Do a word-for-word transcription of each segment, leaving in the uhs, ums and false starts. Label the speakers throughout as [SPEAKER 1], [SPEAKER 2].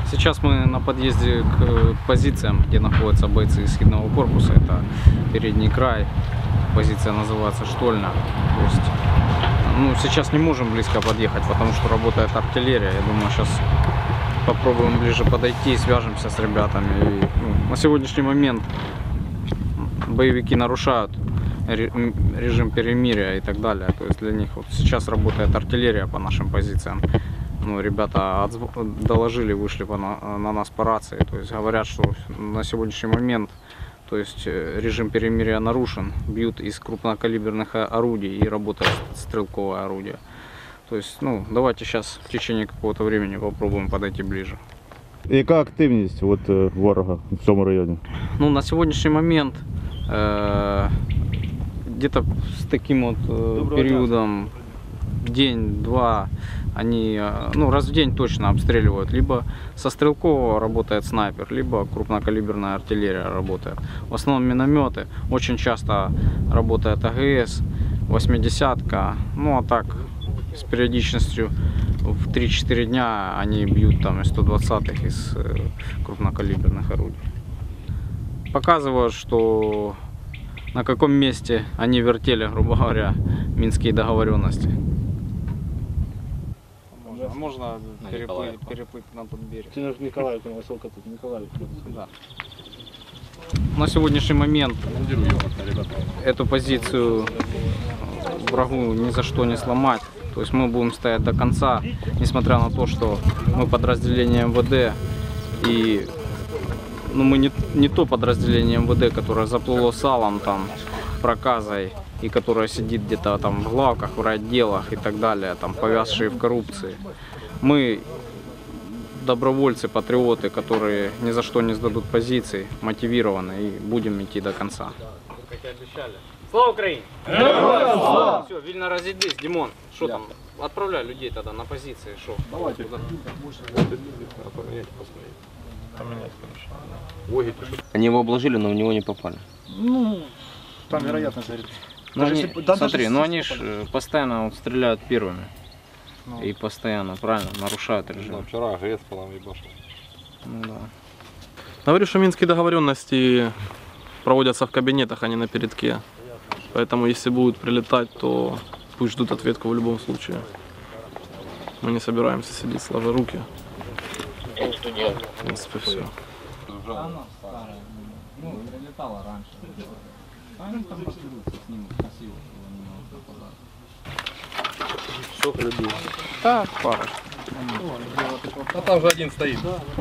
[SPEAKER 1] Сейчас мы на подъезде к позициям, где находятся бойцы исходного корпуса. Это передний край, позиция называется Штольна. То есть, ну, сейчас не можем близко подъехать, потому что работает артиллерия. Я думаю, сейчас попробуем ближе подойти, свяжемся с ребятами. И, ну, на сегодняшний момент боевики нарушают режим перемирия и так далее. То есть для них вот сейчас работает артиллерия по нашим позициям. Ну, ребята доложили, вышли на, на нас по рации. То есть говорят, что на сегодняшний момент, то есть режим перемирия нарушен. Бьют из крупнокалиберных орудий и работает стрелковое орудие. То есть, ну, давайте сейчас в течение какого-то времени попробуем подойти ближе.
[SPEAKER 2] Яка активність от, ворога в цьому районі?
[SPEAKER 1] Ну, на сегодняшний момент э, где-то с таким вот э, периодом день-два они, ну, раз в день точно обстреливают. Либо со стрелкового работает снайпер, либо крупнокалиберная артиллерия работает. В основном минометы. Очень часто работает АГС, восьмидесятка. Ну, а так с периодичностью в три-четыре дня они бьют там из сто двадцатых, из крупнокалиберных орудий. Показывают, что на каком месте они вертели, грубо говоря, минские договоренности. Можно, можно переплыть, переплыть на тот берег.
[SPEAKER 3] Николаевка, высоко тут, Николаевка.
[SPEAKER 1] Да. На сегодняшний момент эту позицию врагу ни за что не сломать. То есть мы будем стоять до конца, несмотря на то, что мы подразделение эм вэ дэ, и ну, мы не, не то подразделение эм вэ дэ, которое заплыло салом, там, проказой, и которое сидит где-то там в главках, в райотделах и так далее, там, повязшие в коррупции. Мы добровольцы, патриоты, которые ни за что не сдадут позиции, мотивированы, и будем идти до конца. Как и обещали. Слава Украине! Слава! Все, Вильно разъедись, Димон, что там? Отправляй людей тогда на позиции, что? Давайте.
[SPEAKER 4] Они его обложили, но в него не попали.
[SPEAKER 3] Ну, там вероятность говорит.
[SPEAKER 1] Ну, они, если, да, смотри, ну они ж постоянно вот стреляют первыми. Ну. И постоянно, правильно, нарушают режим.
[SPEAKER 5] Ну, вчера АГС по нам ебашил.
[SPEAKER 1] Ну да.
[SPEAKER 6] Говорю, что минские договоренности проводятся в кабинетах, а не на передке. Поэтому если будут прилетать, то пусть ждут ответку в любом случае. Мы не собираемся сидеть сложа руки. В принципе, все.
[SPEAKER 1] Ну, прилетала раньше. Они там разберутся с ним красиво, чтобы они не нападали.
[SPEAKER 4] Сколько людей?
[SPEAKER 1] Так, пара.
[SPEAKER 5] А там же один стоит.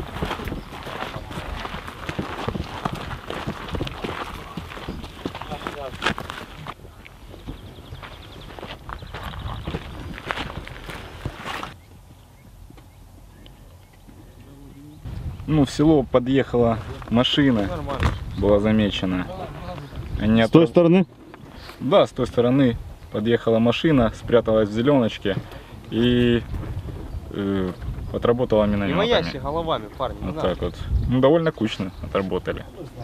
[SPEAKER 7] Ну, в село подъехала машина, была замечена. Они
[SPEAKER 2] С той
[SPEAKER 7] отправ...
[SPEAKER 2] стороны?
[SPEAKER 7] Да, с той стороны подъехала машина, спряталась в зеленочке и э, отработала минометами.
[SPEAKER 4] Не маящие головами, парни.
[SPEAKER 7] Вот так вот. Ну, довольно кучно отработали.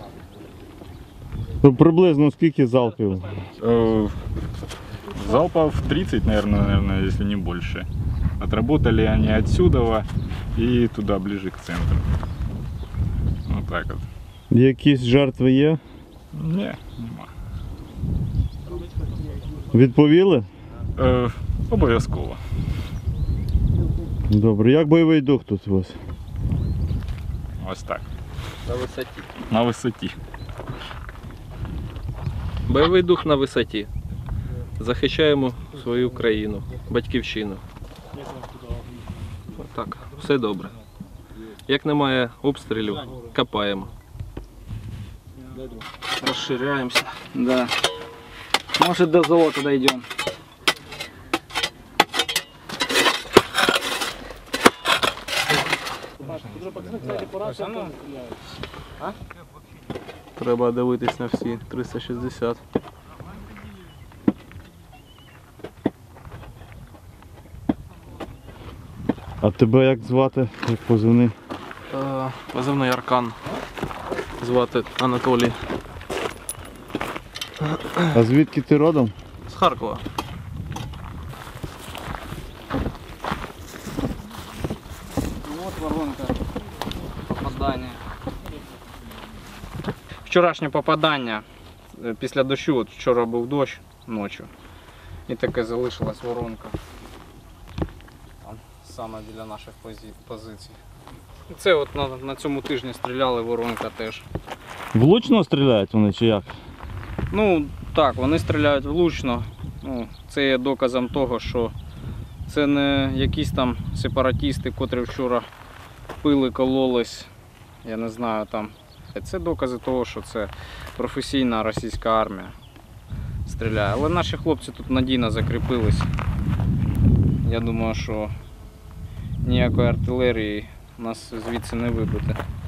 [SPEAKER 2] Ну, приблизно скільки залпів?
[SPEAKER 7] Э, залпов тридцать, наверное, наверное, если не больше. Отработали они отсюда и туда, ближе к центру. Вот так вот.
[SPEAKER 2] Якісь жертви є?
[SPEAKER 7] Не, нема.
[SPEAKER 2] Відповіли?
[SPEAKER 7] Е, обов'язково.
[SPEAKER 2] Добре. Як бойовий дух тут у вас?
[SPEAKER 7] Ось так.
[SPEAKER 4] На висоті.
[SPEAKER 7] На висоті.
[SPEAKER 6] Бойовий дух на висоті. Захищаємо свою країну, батьківщину. Так, все добре. Як немає обстрілів, копаємо.
[SPEAKER 1] Расширяемся. Да. Может, до золота дойдем.
[SPEAKER 6] Треба дивитись на всі триста шістдесят.
[SPEAKER 2] А тебе як звати? Як позивний?
[SPEAKER 6] Е, Позивний Аркан. Звати Анатолій.
[SPEAKER 2] А звідки ти родом?
[SPEAKER 6] З Харкова.
[SPEAKER 1] Вот воронка. попадання. Вчорашнє попадання е, після дощу, от вчора був дощ ночі. І таке залишилась воронка. Там саме біля наших позі- позицій. Це от на, на цьому тижні стріляли, воронка теж.
[SPEAKER 2] Влучно стріляють вони чи як?
[SPEAKER 1] Ну так, вони стріляють влучно. Ну, це є доказом того, що це не якісь там сепаратісти, котрі вчора пили, кололись, я не знаю там. Це докази того, що це професійна російська армія стріляє. Але наші хлопці тут надійно закріпились. Я думаю, що ніякої артилерії нас звідси не вибити.